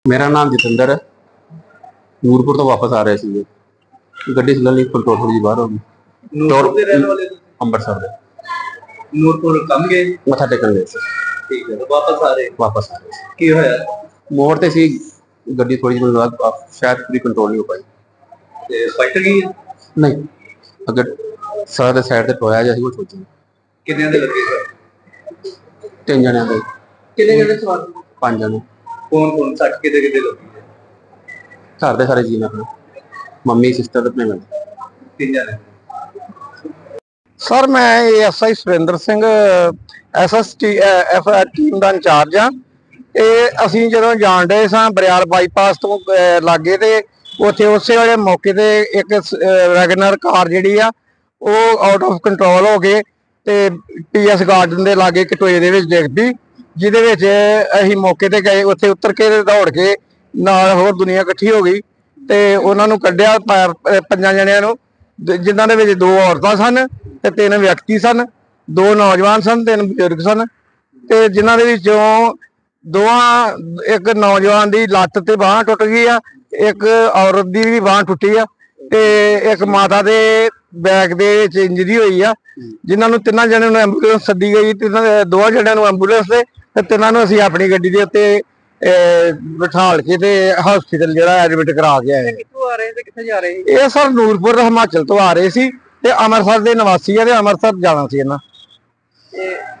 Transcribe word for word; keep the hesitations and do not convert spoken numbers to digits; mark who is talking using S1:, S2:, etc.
S1: मेरा नाम जतिंदर है। ਨੂਰਪੁਰ ਤੋਂ ਵਾਪਸ ਆ ਰਹੇ ਸੀ। ਗੱਡੀ ਚੱਲਣ ਲਈ ਕੰਟਰੋਲ ਥੋੜੀ ਜਿਹੀ ਬਾਹਰ ਹੋ ਗਈ।
S2: ਨੂਰਪੁਰ ਦੇ ਰਹਿਣ ਵਾਲੇ ਤੁਸੀਂ?
S1: ਅੰਮ੍ਰਿਤਸਰ ਦੇ।
S2: ਨੂਰਪੁਰ ਕੰਮ ਗਏ?
S1: ਮੱਥਾ ਟੇਕਣ ਗਏ ਸੀ।
S2: ਠੀਕ ਹੈ, ਵਾਪਸ ਆ ਰਹੇ?
S1: ਵਾਪਸ ਆ ਰਹੇ ਸੀ।
S2: ਕੀ ਹੋਇਆ?
S1: ਮੋੜ ਤੇ ਸੀ ਗੱਡੀ, ਥੋੜੀ ਜਿਹੀ ਬਾਅਦ ਸ਼ਾਇਦ ਪੂਰੀ ਕੰਟਰੋਲ ਨਹੀਂ ਹੋ ਪਾਈ
S2: ਤੇ ਫਾਈਟ ਗਈ?
S1: ਨਹੀਂ, ਅਗਰ ਸਾਰਾ ਦੇ ਸਾਈਡ ਤੇ ਟੋਇਆ ਜਿਹਾ ਸੀ ਉਹ ਸੋਚੀ।
S2: ਕਿੰਨਿਆਂ ਦੇ ਲੱਗੇ ਸਰ?
S1: ਤਿੰਨ ਜਣਿਆਂ ਦੇ।
S2: ਕਿੰਨੇ ਜਣੇ ਸਵਾਰ?
S1: ਪੰਜ ਜਣੇ।
S2: ਕੌਣ ਕੌਣ? ਸੱਟ ਕਿਤੇ ਕਿਤੇ ਲੱਗੀ ਹੈ?
S1: ਘਰ ਦੇ ਸਾਰੇ ਜੀ ਨੇ, ਆਪਣੇ ਮੰਮੀ, ਸਿਸਟਰ ਤੇ ਆਪਣੇ ਮੈਂ।
S2: ਤਿੰਨ ਜਣੇ।
S3: ਸਰ ਮੈਂ SI Surinder Singh SST F team ਦਾ ਇੰਚਾਰਜ ਆ। ਇਹ ਅਸੀਂ ਜਦੋਂ ਜਾਣ ਰਹੇ ਸਾਂ ਬਰਿਆਲ ਬਾਈਪਾਸ ਤੋਂ ਲਾਗੇ, ਤੇ ਉੱਥੇ ਉਸੇ ਵੇਲੇ ਮੌਕੇ ਤੇ ਇੱਕ ਵੈਗਨਰ ਕਾਰ ਜਿਹੜੀ ਆ ਉਹ ਆਊਟ ਆਫ ਕੰਟਰੋਲ ਹੋ ਕੇ ਤੇ ਪੀਐਸ ਗਾਰਡਨ ਦੇ ਲਾਗੇ ਕਟੋਏ ਦੇ ਵਿੱਚ ਡਿੱਗ ਪਈ, ਜਿਹਦੇ ਵਿੱਚ ਅਸੀਂ ਮੌਕੇ ਤੇ ਗਏ। ਉੱਥੇ ਉਤਰ ਕੇ ਦੌੜ ਕੇ ਨਾਲ ਹੋਰ ਦੁਨੀਆ ਇਕੱਠੀ ਹੋ ਗਈ ਤੇ ਉਹਨਾਂ ਨੂੰ ਕੱਢਿਆ, ਪੰਜਾਂ ਜਣਿਆਂ ਨੂੰ, ਜਿਨ੍ਹਾਂ ਦੇ ਵਿੱਚ ਦੋ ਔਰਤਾਂ ਸਨ ਤੇ ਤਿੰਨ ਵਿਅਕਤੀ ਸਨ। ਦੋ ਨੌਜਵਾਨ ਸਨ, ਤਿੰਨ ਬਜ਼ੁਰਗ ਸਨ। ਤੇ ਜਿਨ੍ਹਾਂ ਦੇ ਵਿੱਚੋਂ ਦੋਵਾਂ, ਇੱਕ ਨੌਜਵਾਨ ਦੀ ਲੱਤ ਤੇ ਬਾਂਹ ਟੁੱਟ ਗਈ ਆ, ਇੱਕ ਔਰਤ ਦੀ ਵੀ ਬਾਂਹ ਟੁੱਟੀ ਆ, ਤੇ ਇੱਕ ਮਾਤਾ ਦੇ ਬੈਕ ਦੇ ਵਿੱਚ ਇੰਜਰੀ ਹੋਈ ਆ, ਜਿਨ੍ਹਾਂ ਨੂੰ ਤਿੰਨਾਂ ਜਣਿਆਂ ਨੂੰ ਐਂਬੂਲੈਂਸ ਸੱਦੀ ਗਈ। ਤਿੰਨਾਂ ਦੋਵਾਂ ਜਣਿਆਂ ਨੂੰ ਐਂਬੂਲੈਂਸ ਤੇ ਤੇ ਤਿੰਨਾਂ ਨੂੰ ਅਸੀਂ ਆਪਣੀ ਗੱਡੀ ਦੇ ਉੱਤੇ ਬਿਠਾਲ ਕੇ ਤੇ ਹਸਪੀਟਲ ਜਿਹੜਾ ਐਡਮਿਟ ਕਰਾ ਕੇ ਆਏ।
S2: ਕਿੱਥੋਂ ਆ ਰਹੇ ਤੇ ਕਿੱਥੇ ਜਾ ਰਹੇ?
S3: ਇਹ ਸਰ ਨੂਰਪੁਰ ਹਿਮਾਚਲ ਤੋਂ ਆ ਰਹੇ ਸੀ ਤੇ ਅੰਮ੍ਰਿਤਸਰ ਦੇ ਨਿਵਾਸੀ ਆ, ਤੇ ਅੰਮ੍ਰਿਤਸਰ ਜਾਣਾ ਸੀ ਇਹਨਾਂ।